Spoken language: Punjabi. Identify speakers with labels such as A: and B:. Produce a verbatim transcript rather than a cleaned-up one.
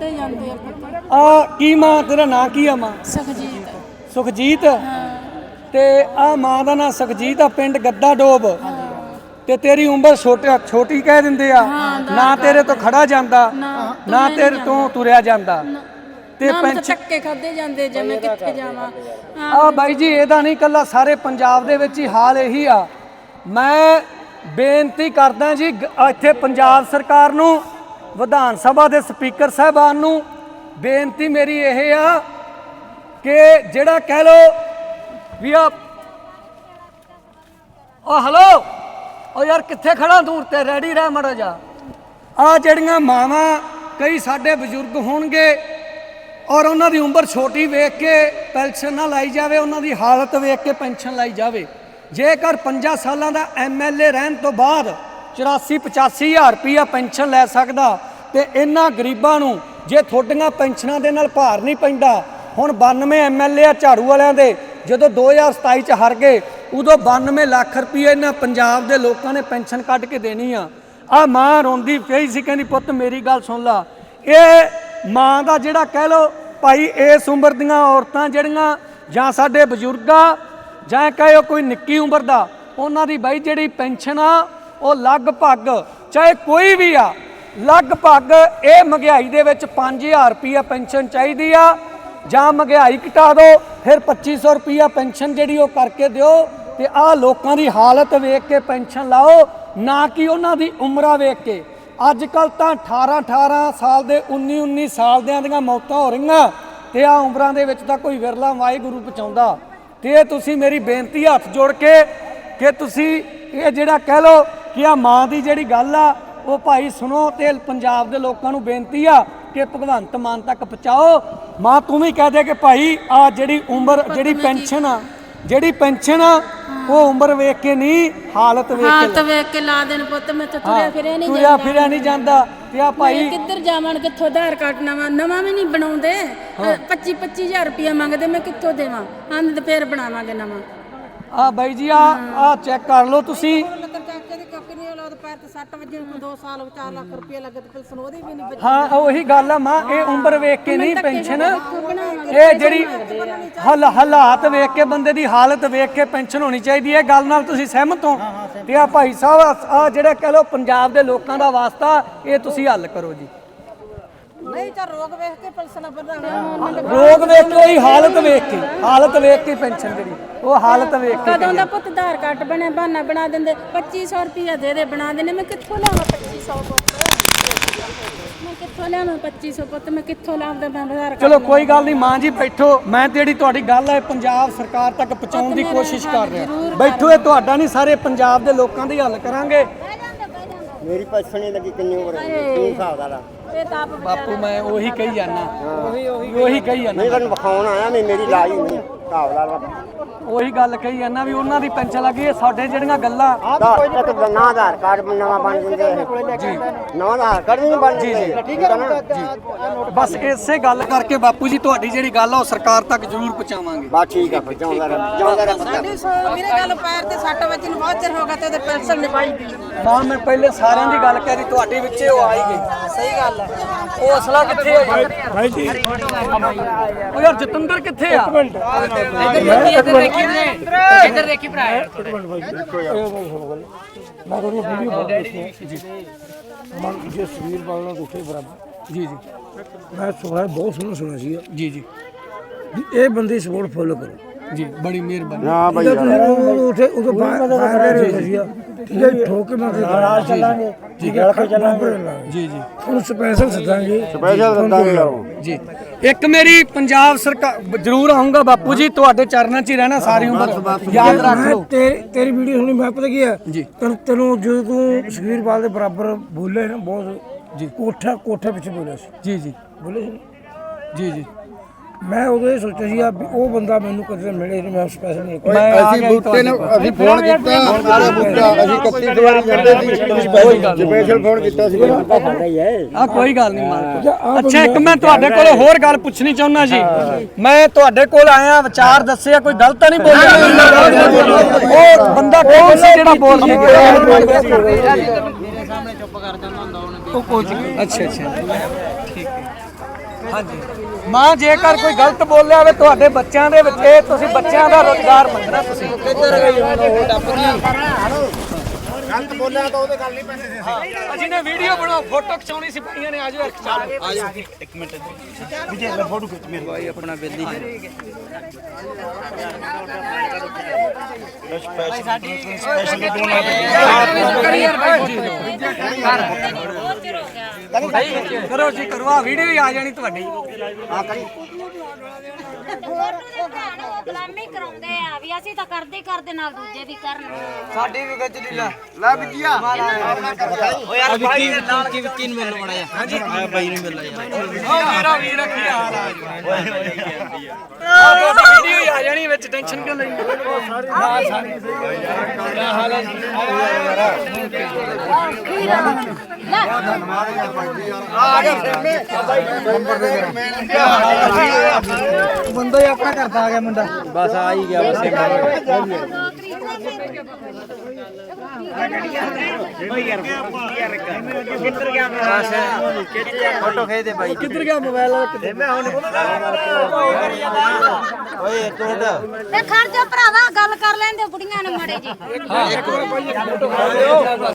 A: खाते जाते हैं पुत्त।
B: आ की मां तेरा नाम की आ मां?
A: सुखजीत।
B: सुखजीत
A: हाँ
B: ते आ मां दा नाम सुखजीत आ, पिंड गद्दा डोब ते तेरी उम्र छोटी छोटी कह दिंदे आ, ना तेरे तो खड़ा जांदा ना तेरे तो तुरिया जांदा ते पेंशन
A: धक्के खाते जाते जे मैं कित्थे जावां।
B: आ बाई जी ਇਹਦਾ नहीं कल्ला सारे पंजाब दे विच ही हाल यही आ। मैं बेनती करदा जी ਇੱਥੇ पंजाब सरकार ਨੂੰ विधान सभा ਦੇ स्पीकर साहबान ਨੂੰ बेनती मेरी ਇਹ आ कि ਜਿਹੜਾ कह लो भी आ ओ हलो ओ यार कित्थे खड़ा दूर ते रेडी रह मड़ा जा। आ जड़ियां मावां कई साडे बजुर्ग होणगे और उन्हां दी उम्र छोटी वेख के पेंशन ना लाई जावे, उन्हां दी हालत वेख के पेंशन लाई जावे। जेकर पंजा सालां दा एम एल ए रहन तो बाद चौरासी पचासी हज़ार रुपया पेंशन लै सकदा ते इन्हां गरीबां नूं जे थोड़ियां पेंशनां दे नाल भार नहीं पैंदा। हुण बानवे एम एल ए झाड़ू वालियां दे जदों दो हज़ार सताई च हार गए उदों बानवे लाख रुपये इन्हां पंजाब दे लोकां ने पेंशन कढ के देनी आ। आ मां रोंदी पई सी कहंदी पुत्त मेरी गल सुन ला, ये मां दा जिहड़ा कह लो भाई इस उम्र दियां औरतां जिहड़ियां जां साडे बजुर्ग आ जां कहो कोई निक्की उम्र दा उन्हां दी बाई जिहड़ी पेंशन आ ਉਹ ਲਗਭਗ ਚਾਹੇ ਕੋਈ ਵੀ ਆ ਲਗਭਗ ਇਹ ਮਹਿੰਗਾਈ ਦੇ ਵਿੱਚ ਪੰਜ ਹਜ਼ਾਰ ਰੁਪਈਆ ਪੈਨਸ਼ਨ ਚਾਹੀਦੀ ਆ ਜਾਂ ਮਹਿੰਗਾਈ ਘਟਾ ਦਿਓ ਫਿਰ ਪੱਚੀ ਸੌ ਰੁਪਈਆ ਪੈਨਸ਼ਨ ਜਿਹੜੀ ਉਹ ਕਰਕੇ ਦਿਓ ਤੇ ਆਹ ਲੋਕਾਂ ਦੀ ਹਾਲਤ ਵੇਖ ਕੇ ਪੈਨਸ਼ਨ ਲਾਓ, ਨਾ ਕਿ ਉਹਨਾਂ ਦੀ ਉਮਰਾਂ ਵੇਖ ਕੇ। ਅੱਜ ਕੱਲ੍ਹ ਤਾਂ ਅਠਾਰਾਂ ਅਠਾਰਾਂ ਸਾਲ ਦੇ ਉੱਨੀ ਉੱਨੀ ਸਾਲ ਦਿਆਂ ਦੀਆਂ ਮੌਤਾਂ ਹੋ ਰਹੀਆਂ ਤੇ ਆਹ ਉਮਰਾਂ ਦੇ ਵਿੱਚ ਤਾਂ ਕੋਈ ਵਿਰਲਾ ਵਾਹਿਗੁਰੂ ਪਹੁੰਚਾਉਂਦਾ। ਤੇ ਤੁਸੀਂ ਮੇਰੀ ਬੇਨਤੀ ਹੱਥ ਜੋੜ ਕੇ ਕਿ ਤੁਸੀਂ ਇਹ ਜਿਹੜਾ ਕਹਿ ਲਓ कि आ मां की जी गल आ वो भाई सुनो तो पंजाब के लोगों को बेनती आ कि भगवंत मान तक पहुँचाओ। मां तू भी कह दे कि भाई आ जी उम्र जी पेंशन आ जी पेंशन आ वो उम्र वेख के नहीं हालत
A: हालत वेख के ला देन पुत्त। मैं तो तुरिया फिरिया नहीं
B: तुरिया फिरिया नहीं जांदा ते आ भाई
A: किधर जावां कित्थों आधार कार्ड नवां नवां भी नहीं बनाउंदे। पच्ची पच्ची हज़ार रुपया मंगदे मैं कित्थों देवां आंद ते फिर बनावांगे नवां।
B: आ by ji uh uh check कर लो तुसी हाँ ਉਹੀ ਗੱਲ ਆ ਮਾਂ ਇਹ ਉਮਰ ਵੇਖ ਕੇ ਨਹੀਂ ਪੈਨਸ਼ਨ ਇਹ ਜਿਹੜੀ ਹਲ ਹਾਲਾਤ ਵੇਖ ਕੇ ਬੰਦੇ ਦੀ ਹਾਲਤ ਵੇਖ ਕੇ ਪੈਨਸ਼ਨ ਹੋਣੀ ਚਾਹੀਦੀ ਹੈ। ਗੱਲ ਨਾਲ ਤੁਸੀਂ ਸਹਿਮਤ ਹੋ? ਤੇ ਆ ਭਾਈ ਸਾਹਿਬ ਆ ਜਿਹੜਾ ਕਹ ਲੋ ਪੰਜਾਬ ਦੇ ਲੋਕਾਂ ਦਾ ਵਾਸਤਾ ਇਹ ਤੁਸੀਂ ਹੱਲ ਕਰੋ ਜੀ।
A: नहीं तो रोग वेख के पेंशन बढ़ा
B: रोग वेख के ही हालत वेख के हालत वेख के पेंशन जी वो हालत वेख के
A: कदों दा पुत्त आधार कार्ड बने बहाना बना देंदे पच्ची सौ रुपया दे दे बना देने मैं कित्थों लावां पच्ची सौ मैं कित्थों लावां पच्ची सौ पुत्त मैं कित्थों लावां मैं आधार कार्ड।
B: चलो कोई गल नहीं मां जी बैठो मैं तेरी तुहाडी गल है पंजाब सरकार तक पहुंचाउण दी कोशिश कर रहा बैठो ये तुहाडा नहीं सारे पंजाब दे लोकां दी हल करांगे।
C: मेरी पेंशन ही लगी किन्नी उम्र है तू हिसाब ला
B: बापू मैं वही कही जाना वही कही जाना
C: नहीं तैਨੂੰ ਵਿਖਾਉਣ ਆਇਆ ਮੈਂ ਮੇਰੀ ਲਾਜ ਨਹੀਂ ਹਿਸਾਬ ਲਾ
B: ਉਹੀ ਗੱਲ ਕਹੀ ਜਾਂਦਾ ਵੀ ਉਹਨਾਂ ਦੀ ਪੈਨਸ਼ਨ ਲੱਗੀ ਹੈ ਸਾਡੇ ਜਿਹੜੀਆਂ ਗੱਲਾਂ
C: ਇੱਕ ਨਾ ਆਧਾਰ ਕਾਰਡ ਨਵਾਂ ਬਣ ਜਾਂਦੇ ਜੀ ਨਵਾਂ ਆਧਾਰ ਕਾਰਡ ਨਹੀਂ ਬਣ ਜੀ ਠੀਕ ਹੈ ਨਾ ਜੀ।
B: ਬਸ ਇਸੇ ਗੱਲ ਕਰਕੇ ਬਾਪੂ ਜੀ ਤੁਹਾਡੀ ਜਿਹੜੀ ਗੱਲ ਆ ਉਹ ਸਰਕਾਰ ਤੱਕ ਜ਼ਰੂਰ ਪਹੁੰਚਾਵਾਂਗੇ।
C: ਬਸ ਠੀਕ ਆ ਪਹੁੰਚਾਉਂਦਾ ਰਹਿ ਜਾਉਂਦਾ ਰਹਿ
A: ਮੇਰੇ ਗੱਲ ਪੈਰ ਤੇ ਸੱਟ ਵੱਜੀ ਨੂੰ ਬਹੁਤ ਚਿਰ ਹੋ ਗਿਆ ਤੇ ਉਹਦੇ ਪੈਨਸ਼ਨ ਨਿਭਾਈ ਦੀ
B: ਮਾਂ ਮੈਂ ਪਹਿਲੇ ਸਾਰਿਆਂ ਦੀ ਗੱਲ ਕਰੀ ਤੁਹਾਡੇ ਵਿੱਚੇ ਉਹ ਆਈ ਗਈ।
A: ਸਹੀ ਗੱਲ ਹੈ।
B: ਉਹ ਅਸਲਾ ਕਿੱਥੇ ਹੈ
D: ਭਾਈ ਜੀ
B: ਉਹ ਯਾਰ ਜਤਿੰਦਰ ਕਿੱਥੇ ਆ?
A: ਇੱਧਰ ਦੇਖੀ ਭਰਾ
D: ਮੈਂ ਤੁਹਾਨੂੰ ਵੀਡੀਓ ਬਣਾ ਦਿੱਤੀ ਜੀ ਮਨ ਜੇ ਸਵੀਰ ਬਾਲਣਾ ਦੁੱਖੇ ਬਰਾਬਰ
B: ਜੀ ਜੀ
D: ਮੈਂ ਸੁਣਿਆ ਬਹੁਤ ਸੋਹਣਾ ਸੁਣਿਆ ਸੀ
B: ਜੀ ਜੀ
D: ਇਹ ਬੰਦੇ ਸਪੋਰਟ ਫੋਲੋ ਕਰੋ
B: ਜੀ ਬੜੀ ਮਿਹਰਬਾਨੀ।
C: ਨਾ ਬਾਈ
D: ਉਥੇ ਉਦੋਂ ਬਾਹਰ ਰਹੇ ਸੀ ਠੀਕ ਹੈ ਠੋਕ ਕੇ ਮਾਰ ਨਾਲ ਚੱਲਾਂਗੇ ਠੀਕ ਹੈ ਕੇ ਚੱਲਾਂਗੇ
B: ਜੀ ਜੀ
D: ਹੁਣ ਸਪੈਸ਼ਲ ਸੱਦਾਂਗੇ
C: ਸਪੈਸ਼ਲ ਸੱਦਾਂਗੇ ਯਾਰੋ
B: ਜੀ। ਇੱਕ ਮੇਰੀ ਪੰਜਾਬ ਸਰਕਾਰ ਜ਼ਰੂਰ ਆਉਂਗਾ ਬਾਪੂ ਜੀ ਤੁਹਾਡੇ ਚਰਨਾਂ 'ਚ ਹੀ ਰਹਿਣਾ ਸਾਰੀ ਉਮਰ ਯਾਦ ਰੱਖ ਲਓ।
D: ਤੇਰੀ ਤੇਰੀ ਵੀਡੀਓ ਸੁਣੀ ਮੈਂ ਪਤਾ ਕੀ ਹੈ
B: ਜੀ
D: ਤੈਨੂੰ ਤੈਨੂੰ ਜਦੋਂ ਤੂੰ ਸੁਖਬੀਰ ਦੇ ਬਰਾਬਰ ਬੋਲੇ ਨਾ ਬਹੁਤ
B: ਜੀ
D: ਕੋਠਾ ਕੋਠੇ ਪਿੱਛੇ ਬੋਲਿਆ ਸੀ
B: ਜੀ ਜੀ
D: ਬੋਲੇ ਸੀ
B: ਜੀ ਜੀ
D: ਮੈਂ ਉਦੋਂ ਇਹ ਸੋਚਿਆ ਸੀ ਵੀ ਉਹ ਬੰਦਾ ਮੈਨੂੰ ਕਦੇ ਮਿਲੇ ਨਹੀਂ ਮੈਂ ਸਪੈਸ਼ਲ ਨਹੀਂ
C: ਅਸੀਂ ਬੂਟੇ ਨੂੰ ਅਸੀਂ ਫੋਨ ਕੀਤਾ ਸਾਰਾ ਬੂਟਾ ਅਸੀਂ ਇਕੱਤੀ ਵਾਰੀ ਜਾਂਦੇ ਸੀ ਸਪੈਸ਼ਲ ਫੋਨ ਕੀਤਾ ਸੀ
B: ਆ ਕੋਈ ਗੱਲ ਨਹੀਂ ਮਾਰ। ਅੱਛਾ ਇੱਕ ਮੈਂ ਤੁਹਾਡੇ ਕੋਲ ਹੋਰ ਗੱਲ ਪੁੱਛਣੀ ਚਾਹੁੰਦਾ ਜੀ। ਮੈਂ ਤੁਹਾਡੇ ਕੋਲ ਆਇਆ ਵਿਚਾਰ ਦੱਸਿਆ ਕੋਈ ਗਲਤ ਨਹੀਂ ਬੋਲਿਆ ਉਹ ਬੰਦਾ ਕੌਣ ਸੀ ਜਿਹੜਾ ਬੋਲ ਗਿਆ?
A: ਮੇਰੇ ਸਾਹਮਣੇ ਚੁੱਪ ਕਰ ਜਾਂਦਾ ਹੁੰਦਾ ਉਹਨੇ
B: ਉਹ ਕੋਈ ਅੱਛਾ ਅੱਛਾ ਠੀਕ ਹੈ। ਹਾਂਜੀ ਮਾਂ ਜੇਕਰ ਕੋਈ ਗਲਤ ਬੋਲਿਆ ਹੋਵੇ ਤੁਹਾਡੇ ਬੱਚਿਆਂ ਦੇ ਵਿੱਚ ਇਹ ਤੁਸੀਂ ਬੱਚਿਆਂ ਦਾ ਰੋਜ਼ਗਾਰ ਮੰਗਣਾ ਤੁਸੀਂ ਕਿੱਧਰ ਗਈ ਉਹ ਡੱਪ ਗਈ
E: ਗਲਤ ਬੋਲਿਆ ਤਾਂ ਉਹਦੇ ਗੱਲ ਨਹੀਂ ਪੈਂਦੀ ਸੀ
B: ਅਸੀਂ ਨੇ ਵੀਡੀਓ ਬਣਾਓ ਫੋਟੋ ਖਿਚਾਉਣੀ ਸੀ ਭਾਈਆਂ ਨੇ ਆਜੋ ਇੱਕ ਚਾਲ
E: ਆਜੋ ਇੱਕ ਮਿੰਟ ਵਿਜੇ ਲੈ ਫੋਟੋ ਖਿੱਚ ਮੇਰੇ ਭਾਈ ਆਪਣਾ ਬੇਲੀ
B: ਕਰੋ ਜੀ ਕਰੋ ਆ ਵੀਡੀਓ ਹੀ ਆ ਜਾਣੀ ਤੁਹਾਡੀ
E: ਹਾਂ ਕਰੀ
F: ਗੁਲਾਮੀ ਕਰਾਉਂਦੇ ਆ ਵੀ ਅਸੀਂ ਤਾਂ ਕਰਦੇ ਹੀ ਕਰਦੇ ਨਾਲ ਦੂਜੇ ਵੀ ਕਰਨ
E: ਸਾਡੀ ਵੀ ਗੱਜ ਦੀ ਲੈ ਲੈ ਵਿਜਿਆ ਓ ਯਾਰ ਭਾਈ ਦੇ ਨਾਲ ਕੀ ਵਿੱਕੀ ਨੂੰ ਮਿਲਣ ਮੜਾ ਜਾ ਹਾਂਜੀ ਆ ਬਾਈ ਨੂੰ ਮਿਲਣਾ ਯਾਰ
B: ਓ ਮੇਰਾ ਵੀਰ ਕੀ ਹਾਲ ਆ ਆ ਤੁਹਾਡੀ ਵੀਡੀਓ ਹੀ ਆ ਜਾਣੀ ਵਿੱਚ ਟੈਨਸ਼ਨ ਕਿਉਂ ਲਈ ਹਾਂ ਸਾਰੀ ਕੀ ਹਾਲ ਹੈ
E: ਆ ਗਿਆ ਫੇਮੇ ਨੰਬਰ ਦੇ
D: ਬੰਦਾ ਹੀ ਆਪਣਾ ਕਰਦਾ ਆ ਗਿਆ ਮੁੰਡਾ
E: ਬਸ ਆ ਹੀ ਗਿਆ ਬਸ ਫੋਟੋ ਖੇ ਦੇ ਬਾਈ
B: ਕਿੱਧਰ ਗਿਆ ਮੋਬਾਈਲ
E: ਮੈਂ ਹੁਣ ਓਏ ਤੂੰ
F: ਤੇ ਖੜ ਜਾ ਭਰਾਵਾ ਗੱਲ ਕਰ ਲੈਂਦੇ ਬੁੜੀਆਂ ਨੇ ਮੜੇ ਜੀ
B: ਹਾਂ ਇੱਕ ਵਾਰ ਭਾਈ ਫੋਟੋ ਖਾ ਲਿਓ